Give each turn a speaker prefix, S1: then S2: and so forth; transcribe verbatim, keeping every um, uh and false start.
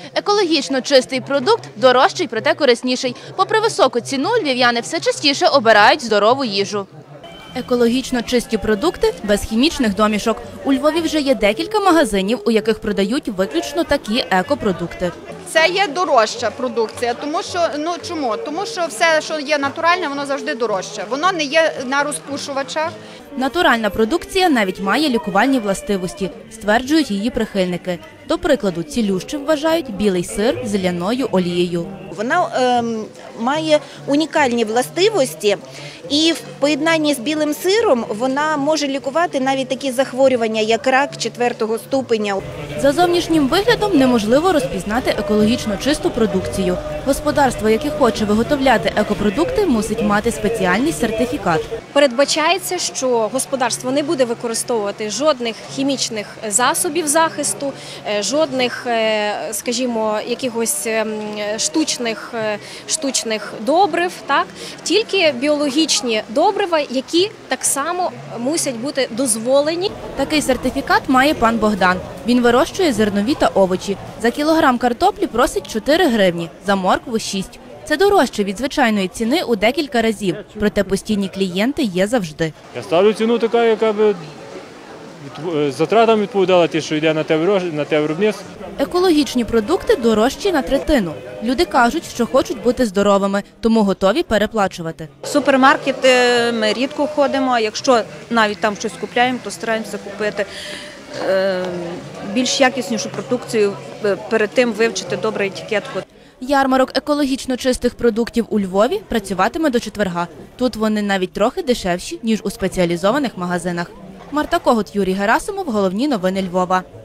S1: Екологічно чистий продукт дорожчий, проте корисніший. Попри високу ціну, львів'яни все частіше обирають здорову їжу. Екологічно чисті продукти без хімічних домішок. У Львові вже є декілька магазинів, у яких продають виключно такі екопродукти.
S2: Це є дорожча продукція, тому що, ну чому? Тому що все, що є натуральне, воно завжди дорожче. Воно не є на розпушувачах.
S1: Натуральна продукція навіть має лікувальні властивості, стверджують її прихильники. До прикладу, цілющим вважають білий сир з ляною олією.
S3: Вона е, має унікальні властивості і в поєднанні з білим сиром вона може лікувати навіть такі захворювання, як рак четвертого ступеня.
S1: За зовнішнім виглядом неможливо розпізнати екологічно чисту продукцію. Господарство, яке хоче виготовляти екопродукти, мусить мати спеціальний сертифікат.
S4: Передбачається, що господарство не буде використовувати жодних хімічних засобів захисту, жодних, скажімо, якихось штучних, штучних добрив, так? Тільки біологічні добрива, які так само мусять бути дозволені.
S1: Такий сертифікат має пан Богдан. Він вирощує зернові та овочі. За кілограм картоплі просить чотири гривні, за моркву – шість. Це дорожче від звичайної ціни у декілька разів, проте постійні клієнти є завжди.
S5: Я ставлю ціну така, яка б затратам відповідала ті, що йде на те виробництво.
S1: Екологічні продукти дорожчі на третину. Люди кажуть, що хочуть бути здоровими, тому готові переплачувати.
S6: В супермаркети ми рідко ходимо, а якщо навіть там щось купляємо, то стараємося купити більш якіснішу продукцію, перед тим вивчити добре етикетку.
S1: Ярмарок екологічно чистих продуктів у Львові працюватиме до четверга. Тут вони навіть трохи дешевші, ніж у спеціалізованих магазинах. Марта Когут, Юрій Герасимов. Головні новини Львова.